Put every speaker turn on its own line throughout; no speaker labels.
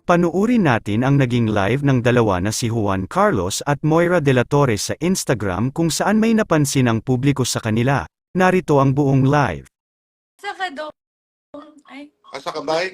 Panuurin natin ang naging live ng dalawa na si Juan Carlos at Moira de la Torre sa Instagram kung saan may napansin ang publiko sa kanila. Narito ang buong live.
Saka doon. Ay,
Asa ka ba?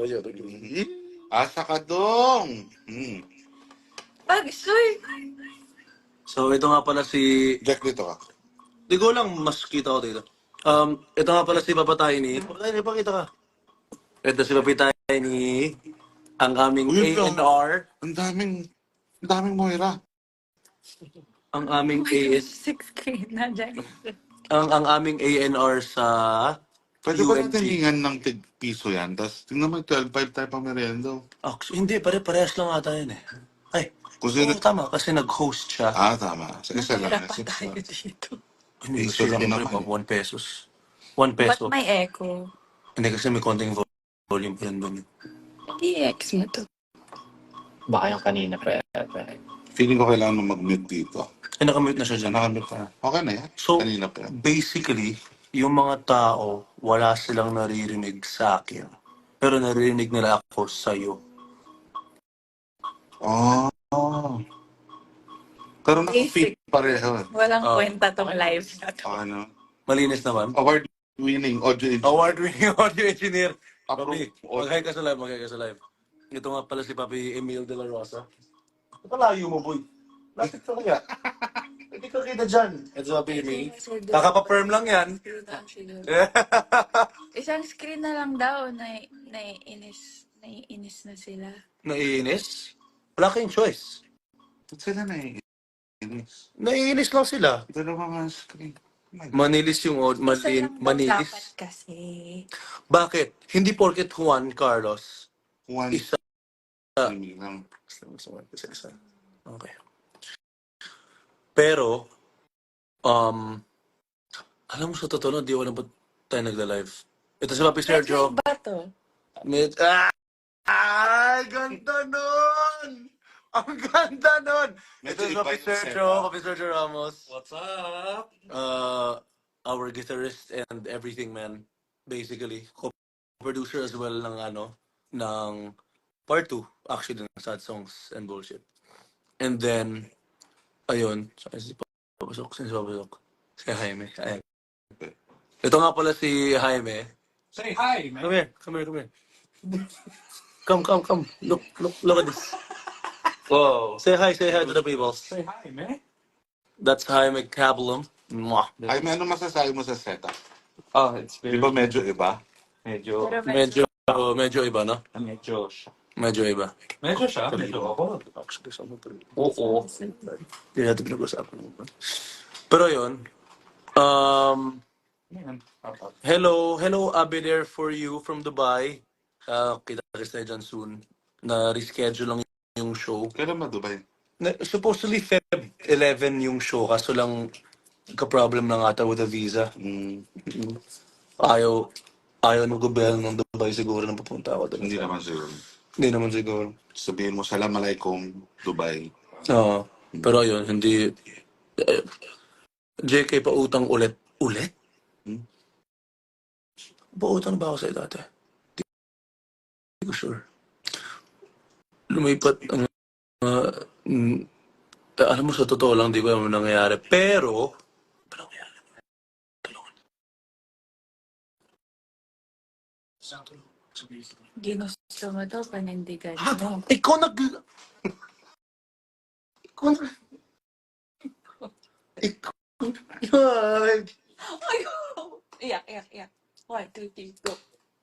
Asa ka dong?
Agsoy!
So, ito nga pala si...
Jack, dito ka.
Di ko lang mas kita ko dito. Ito nga pala si Papatay ni... Pakita ka. Ito si Papatay ni... Ang aming
Uy,
A&R.
Ang daming Moira.
Ang aming AS...
Six screen na dyan.
Ang aming A&R sa...
Pwede ba
UNT.
natin hingan ng tig-piso yan? Tapos tingnan mo, 12.5 tayo pa meriendo.
Hindi, pare-parehas lang ata yun eh. Ay,
Kung sino...
tama, kasi nag-host siya.
Tama. Sa isa lang.
Mahirap pa tayo dito.
Hindi,
piso lang
siyempre
naman.
pa, 1 pesos. 1
Ba't
peso.
may echo?
Hindi kasi may konting volume pa rin doon.
I-X mo to.
Baka yung kanina pa.
Feeling ko kailangan mo mag-mute dito.
Ay, nakamute na siya dyan.
Nakamute ka. Okay na yan.
So,
Kanina pa yan.
basically, yung mga tao, wala silang naririnig sa akin. Pero naririnig nila ako sa'yo.
Oh. Pero naka-fit pareho.
Walang kwenta tong live na to.
Ano?
Malinis naman.
Award-winning audio engineer.
Award-winning audio engineer. Papi,
Approve.
mag-hi ka sa live, mag-hi ka sa live. Ito nga pala si Papi Emil de la Rosa. Palayo mo, boy. Lapit ka kaya. Hindi ka kita dyan. Ito si Papi Emil. Kakapa-firm lang yan.
Isang screen na lang daw, naiinis na sila.
Naiinis? Wala kayong choice.
Ba't sila naiinis?
Naiinis lang sila.
Dalawa nga screen.
Manilis yung
Isa lang daw dapat
manilis.
kasi.
Bakit? Hindi porket Juan Carlos.
One
Isa.
streaming lang.
Isa. Okay. Pero, alam mo sa totoo, di ko alam ba't tayo nagla-live. Ito si Papi Sergio.
Live ba to?
Ay, ganda nun! Ang ganda nun! Ito si
Medyo
Papi
iba yung
Sergio,
setup.
Papi Sergio Ramos.
What's up?
Our guitarist and everything, man. Basically, co-producer as well ng part 2, actually, ng Sad Songs and Bullshit. And then, ayun, si Papasok. Si Jaime. Ayan. Ito nga pala si Jaime.
Say hi, man.
Come here. Come. Look at this.
Whoa.
Say hi to the people.
Say hi, man.
That's Jaime Cabulum. Mwah.
Ay, may ano masasabi mo sa setup?
Oh, it's
Di
very...
ba medyo iba?
Medyo...
Medyo iba, no?
Medyo siya.
Medyo iba.
Medyo siya. Medyo ako.
Actually, sa mga
Oo.
Hindi natin pinag-usapan. Pero yun,
Yan.
hello Abi there for you from Dubai. Kita dyan soon. Na-reschedule lang yung show.
Kailan ba Dubai?
Supposedly Feb 11 yung show, kaso lang ka-problem lang ata with the visa. Ayaw ng gobyerno ng Dubai siguro na pupunta ako doon.
Hindi naman siguro.
Sabihin
mo, Salam Alaikum, Dubai.
Oo. Pero ayun, hindi... JK, pautang ulit. Ulit? Pautang na ba ako sa'yo dati? Hindi ko sure. Lumipat ang... alam mo, sa totoo lang, di ko alam ang nangyayari. Pero... Ano nangyayari? Tulungan.
Ginusto mo daw, panindigan mo.
Ikaw nag... Ay!
Ayaw! Iyak. 1, 2, 3, go.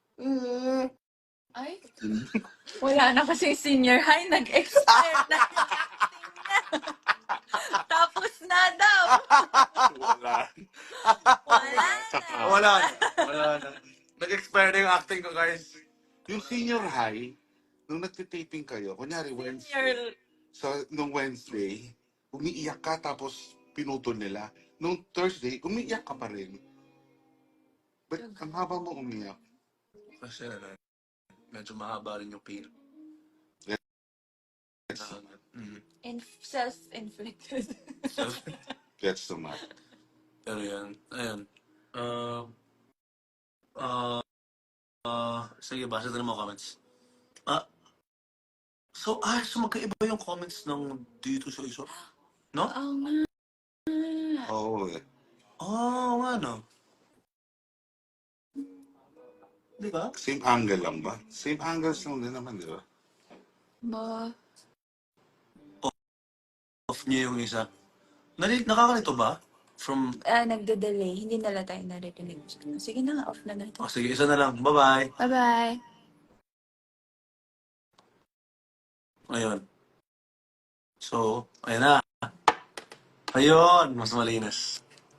Ay, wala na kasi senior high, nag-expire na yung acting na. Tapos na daw.
Wala.
Wala na. Nag-expire na yung acting ko, guys.
Yung senior high, nung nagtitaping kayo, kunyari Wednesday, nung Wednesday, umiiyak ka tapos pinutol nila. Nung Thursday, umiiyak ka pa rin. But ang haba mo umiyak.
Kasi medyo mahaba rin yung pain.
Self-inflicted.
Gets too much.
Pero yan, ayun. Sige, basa na mo comments. So, magkaiba yung comments ng dito sa isa? No?
Oo nga.
Oo.
Oo nga, no? Di ba?
Same angle lang ba? Same angles lang din naman, di ba?
Ba?
Off niya yung isa. Nakakalito ba? From...
Nagde-delay. Hindi nila tayo naririnig. Sige na nga, off na natin.
Oh, sige, isa na lang. Bye-bye.
Bye-bye.
Ayun. So, ayun na. Ayun, mas malinis.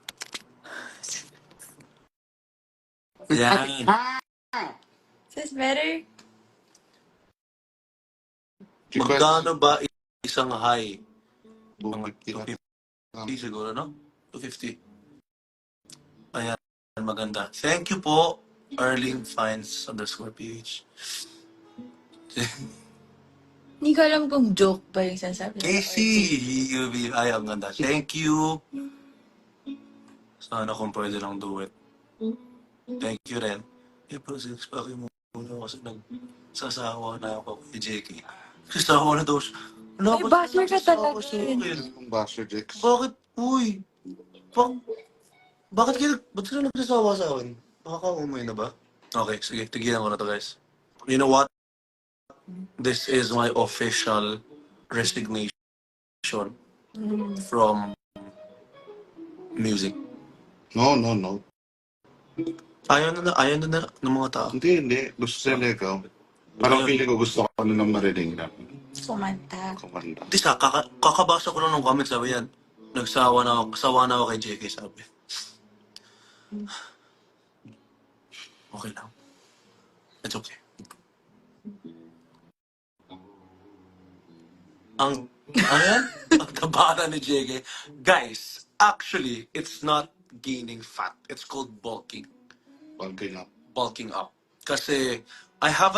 Yan.
Is this better?
Magkano ba isang high? Mga
250
250 siguro, no? 250. Ayan, maganda. Thank you po, Arlene Fines _PH.
Hindi ko alam kung joke ba yung sinasabi nila.
Casey, ay, ang ganda. Thank you. Sana kung pwede lang do it. Thank you rin. April 6, paki mo muna kasi nagsasawa na ako kay JK. Sasawa na daw siya. Wala
Ay,
ba
basher ka
nagsasawa
talaga
sa
yun.
akin?
Yung Basher Jix.
Bakit? Uy! Ba't sila nagsasawa sa akin? Nakaka-umay na ba? Okay, sige. Tigilan ko na to, guys. You know what? This is my official resignation from music.
No.
Ayaw na ng mga tao.
Hindi. Gusto nila ikaw. Parang feeling ko gusto ko nang marinig na
Kumanta.
kumanda.
Di sa, kakabasa ko lang ng comments, sabi yan. Sawa na ako kay JK, sabi. Okay lang. It's okay. Ano yan? Ang taba na ni JK. Guys, actually, it's not gaining fat. It's called bulking.
Bulking up.
Kasi, I have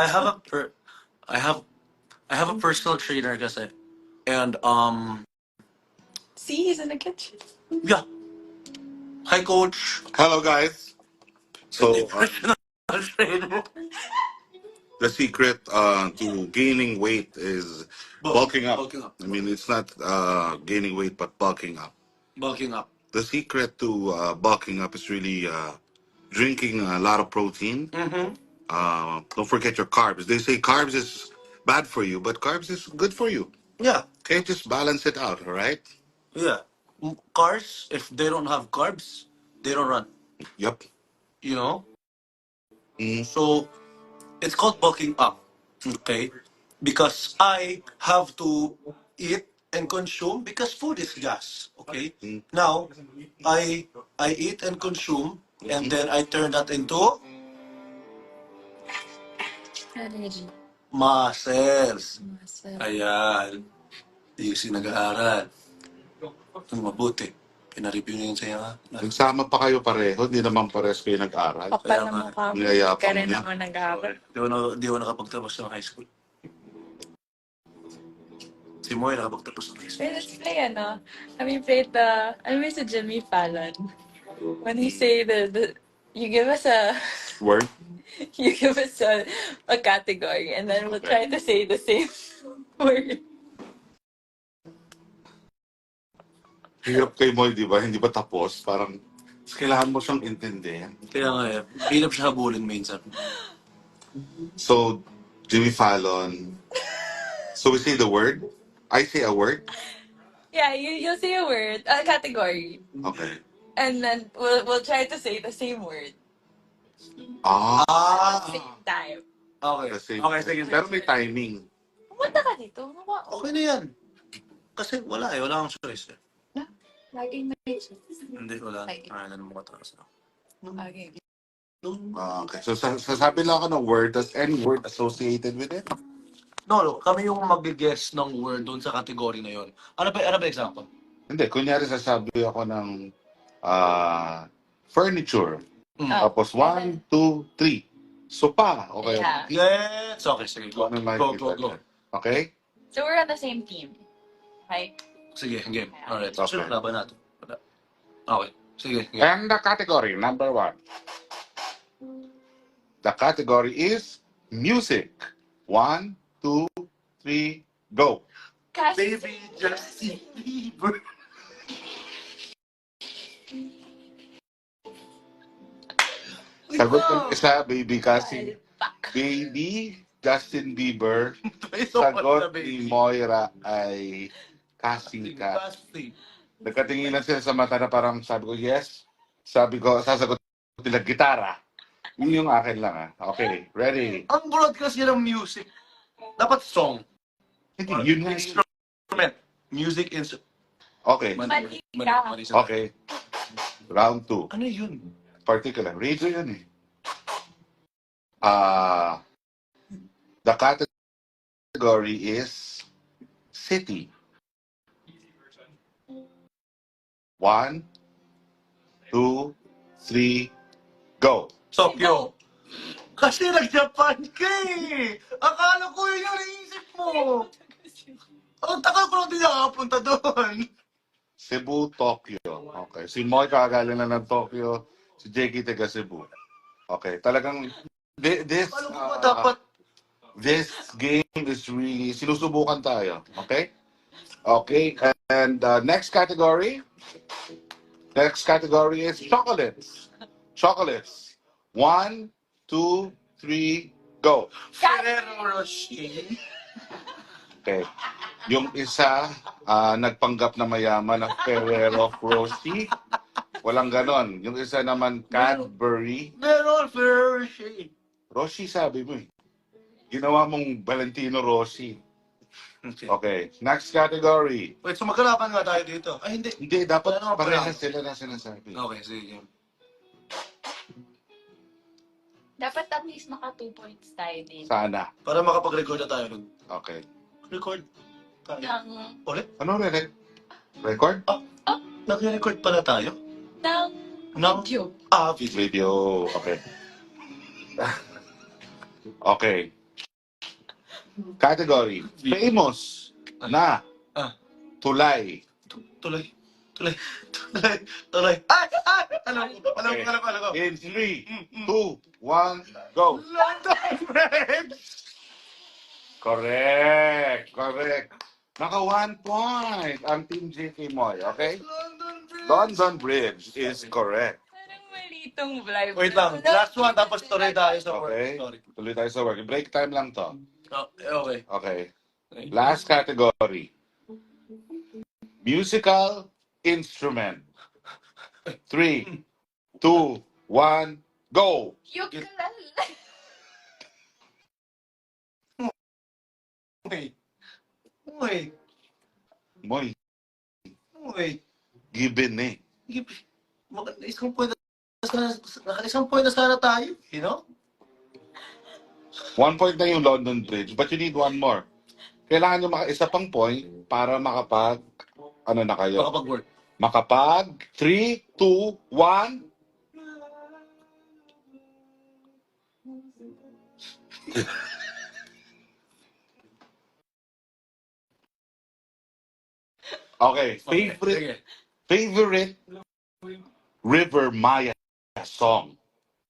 a personal trainer kasi. And,
See, he's in the kitchen.
yeah. Hi, coach.
Hello, guys. So,
Personal trainer.
the secret to gaining weight is bulking up.
Bulking up.
I mean, it's not gaining weight, but bulking up.
Bulking up.
The secret to bulking up is really drinking a lot of protein. Don't forget your carbs. They say carbs is bad for you, but carbs is good for you.
Yeah.
Okay, just balance it out, all right?
Yeah. Cars, if they don't have carbs, they don't run.
Yep.
You know?
Mm.
So, it's called bulking up. Okay? Because I have to eat and consume because food is gas. Okay? Now, I eat and consume and then I turn that into
Energy.
muscles.
Muscle.
Ayan. Di kasi nag-aaral. Ang mabuti. Pina-review na yun sa'yo, ha?
Nagsama pa kayo pareho, hindi naman pares kayo nag-aral.
Kapal
Kaya
na
nga.
mukha mo.
Niyayapang
Hindi ka rin
niya.
naman nag-aaral.
Di ko nakapagtapos ng high school. Si Moy nakapagtapos ng high school.
Wait, let's play I miss the Jimmy Fallon. When he say you give us
Word?
you give us a category and then we'll try to say the same word.
Hirap kay Moy, di ba? Hindi ba tapos? Parang kailangan mo siyang intindihan.
Kaya nga eh, hirap siya habulin minsan.
So, Jimmy Fallon. So we say the word? I say a word?
Yeah, you'll say a word, a category,
Okay.
and then we'll try to say the same word
Ah.
at the same time.
Okay.
Kasi,
Okay, sige.
pero may timing.
Pumunta ka dito.
Okay na yan. Kasi wala akong choice eh.
Laging may
Hindi, wala.
Okay.
Ay, ano mo katakas na.
Okay.
Okay. So, sasabi lang ako ng word. Does any word associated with it?
No, kami yung mag-guess ng word doon sa category na yon. Ano ba example?
Hindi. Kunyari, sasabi ako ng furniture.
Oh.
Tapos 1, 2, 3. Sopa. Okay.
Yeah.
Yes! Okay, sige. Go.
Ano na
Go.
Okay?
So we're on the same team, right?
Sige, game. Alright.
Okay.
Sino laban natin? Wala. Okay. Sige, game.
And the category, number 1. The category is music. 1, 2, 3, go.
Baby Justin Bieber.
Sagot ng isa, baby Cassie. Baby Justin Bieber. Sagot ni Moira ay Cassie Cat. Nagkatinginan sila sa mata na parang sabi ko, yes. Sabi ko, sasagot nila gitara. Yun yung akin lang Okay, ready?
Ang broadcast niya ng music. Dapat song.
Hindi, yun nga.
Instrument. Music instrument.
Okay,
Mali ka.
okay. Round 2.
Ano yun?
Particular. Radio yun eh. The category is city. 1, 2, 3, go.
Tokyo. Kasi nag-Japan ka eh. Akala ko yun yung naisip mo. Ang tagal ko lang din nakapunta doon.
Cebu, Tokyo. Okay. Si Moy kakagaling na ng Tokyo. Si Jakey taga Cebu. Okay. Talagang this
Akala ko ba dapat
this game is really sinusubukan tayo. Okay? Okay. And next category. Next category is chocolates. Chocolates. 1, 2, 3, go.
Ferrero Rocher?
Okay. Yung isa, nagpanggap na mayaman ng Ferrero Rocher. Walang ganon. Yung isa naman, Cadbury.
Meron, Ferrero Rocher.
Roshi sabi mo eh. Ginawa mong Valentino Rossi. Okay. Next category.
Wait, so magkalaban nga tayo dito. Ay, hindi.
Hindi, dapat
Ano,
parehas sila na sinasabi.
Okay, sige.
Dapat at least maka 2 points tayo din.
Sana.
Para makapag-record na tayo nun.
Okay.
Record tayo.
Ng,
Ulit?
Ano record?
Nag-record pala tayo?
ng
Ng
video.
Video.
Video. Okay. Okay. Category. Famous na tulay.
Tuloy. Ay! Alam ko.
In 3, 2, 1, go.
London Bridge!
Correct. Naka 1 point ang Team JK Moy, okay? London Bridge is correct.
Parang mali itong live.
Wait lang. Last one, tapos tuloy tayo sa work.
Okay.
Sorry.
Tuloy tayo sa work. Break time lang to.
Okay.
Okay. Last category. Musical instrument. 3, 2, 1, go.
Ukulele.
Moy,
Wait.
given eh.
Isang point na sana tayo. You know?
1 point na yung London Bridge, but you need one more. Kailangan nyo isa pang point para ano na kayo?
Makapag-work.
Makapag 3, 2, 1. Okay, favorite River Maya song.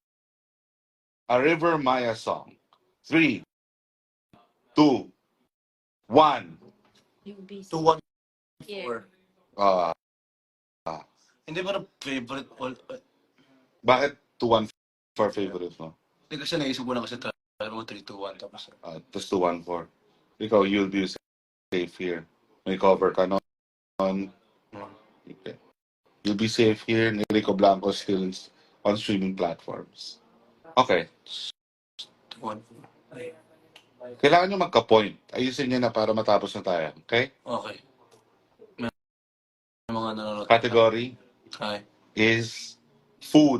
A River Maya song. 3, 2, 1.
2-1-4.
Uh,
Hindi ba na favorite all?
bakit 2-1 for favorite mo?
Hindi kasi naisip ko na kasi tayo mo 3-2-1 tapos.
Tapos 2-1-4. Ikaw, you'll be safe here. May cover ka nun. Okay. You'll be safe here. Rico Blanco still on streaming platforms. Okay.
2-1.
Kailangan nyo magka-point. Ayusin nyo na para matapos na tayo. Okay?
Okay. May mga nanonood.
Category
Hi.
is food.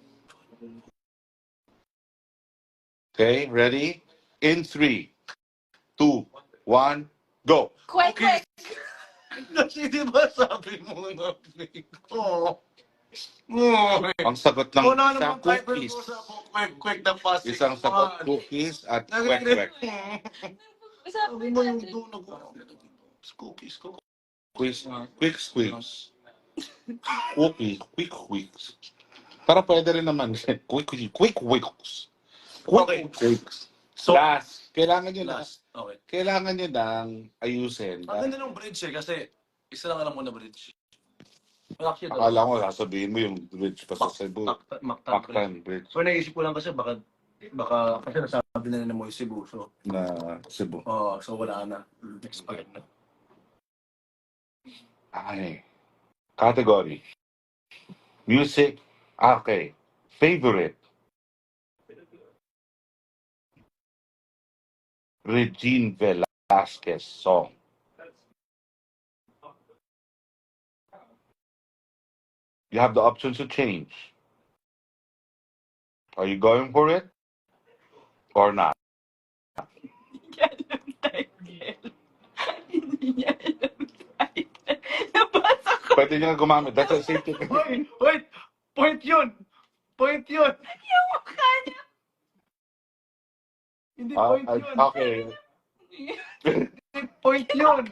Okay, ready? In 3, 2, 1, go.
Kwek.
Kasi di ba sabi mo na ko?
Ang sagot ng
Una
isang
naman Bible
cookies.
ko sa quick na passing.
Isang sagot cookies at kwek-kwek.
Sabi mo yung doon cookies.
Quick squeaks. Quick quicks. Para pwede rin naman. Quick quicks.
Okay.
Quicks.
So,
Last. Kailangan nyo last.
Okay.
Kailangan niya nang ayusin.
Ang ganda ng bridge kasi isa lang alam mo na bridge. Well, actually,
Akala ko sasabihin mo yung bridge pa sa Cebu. Mactan Bridge
So naisip ko lang kasi baka kasi nasabi na nila mo yung Cebu. So,
na Cebu.
so wala na. Expired na.
Ay. Category. Music. Okay. Favorite. Regine Velasquez song. You have the options to change. Are you going for it or not?
Hindi niya alam title. Hindi niya alam title. Nabasa ko.
Pwede niya gumamit. That's a safety.
Wait! Point yun! Point yun!
Yung mukha niya.
Hindi
Ah,
point yun!
okay.
Hindi point yun!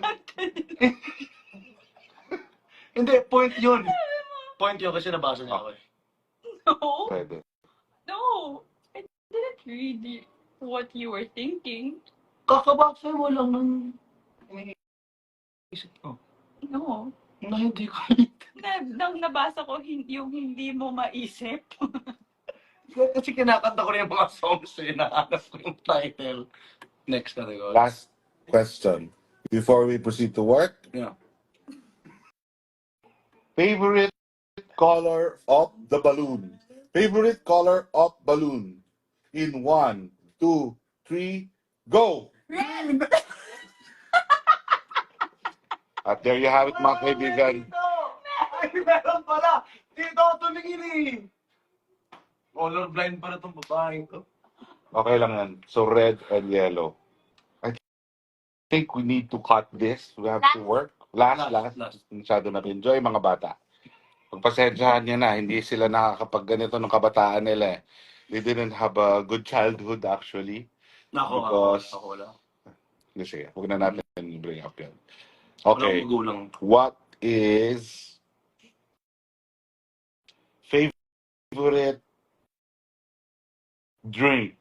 Hindi, point yun! Point yun kasi nabasa niya ako eh.
No.
Pwede.
No. I didn't read what you were thinking.
Kakabasa mo lang ng isip ko.
No.
Na hindi ko
Nang nabasa ko yung hindi mo maisip.
kasi kinakanta ko rin yung mga songs eh. Nahanap ko yung title. Next category.
Last question before we proceed to work.
Yeah.
Favorite color of the balloon. Favorite color of balloon. In 1, 2, 3, go!
Red!
At there you have it, mga kaibigan.
Ay, meron pala! Dito ako tumingin eh! Colorblind pala itong babaeng to.
Okay lang yan. So red and yellow. I think we need to cut this. We have to work. Last. Masyado na enjoy mga bata. Pagpasensyahan niya na, hindi sila nakakapag ganito ng kabataan nila eh. They didn't have a good childhood actually. Because-
Ako wala.
Sige, huwag na natin bring up yan.
Wala
Okay,
akong magulang.
what is favorite drink?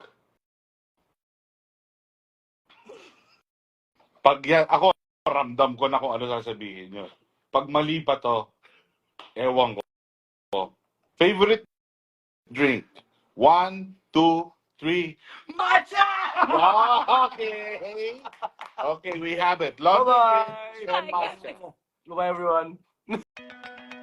Pag yan, ako, ramdam ko na kung ano sasabihin nyo. Pag mali pa to, ewan ko. Favorite drink? 1, 2, 3.
Matcha!
Okay. Okay, we have it. Laundry
Bye-bye!
drinks and matcha.
Bye everyone!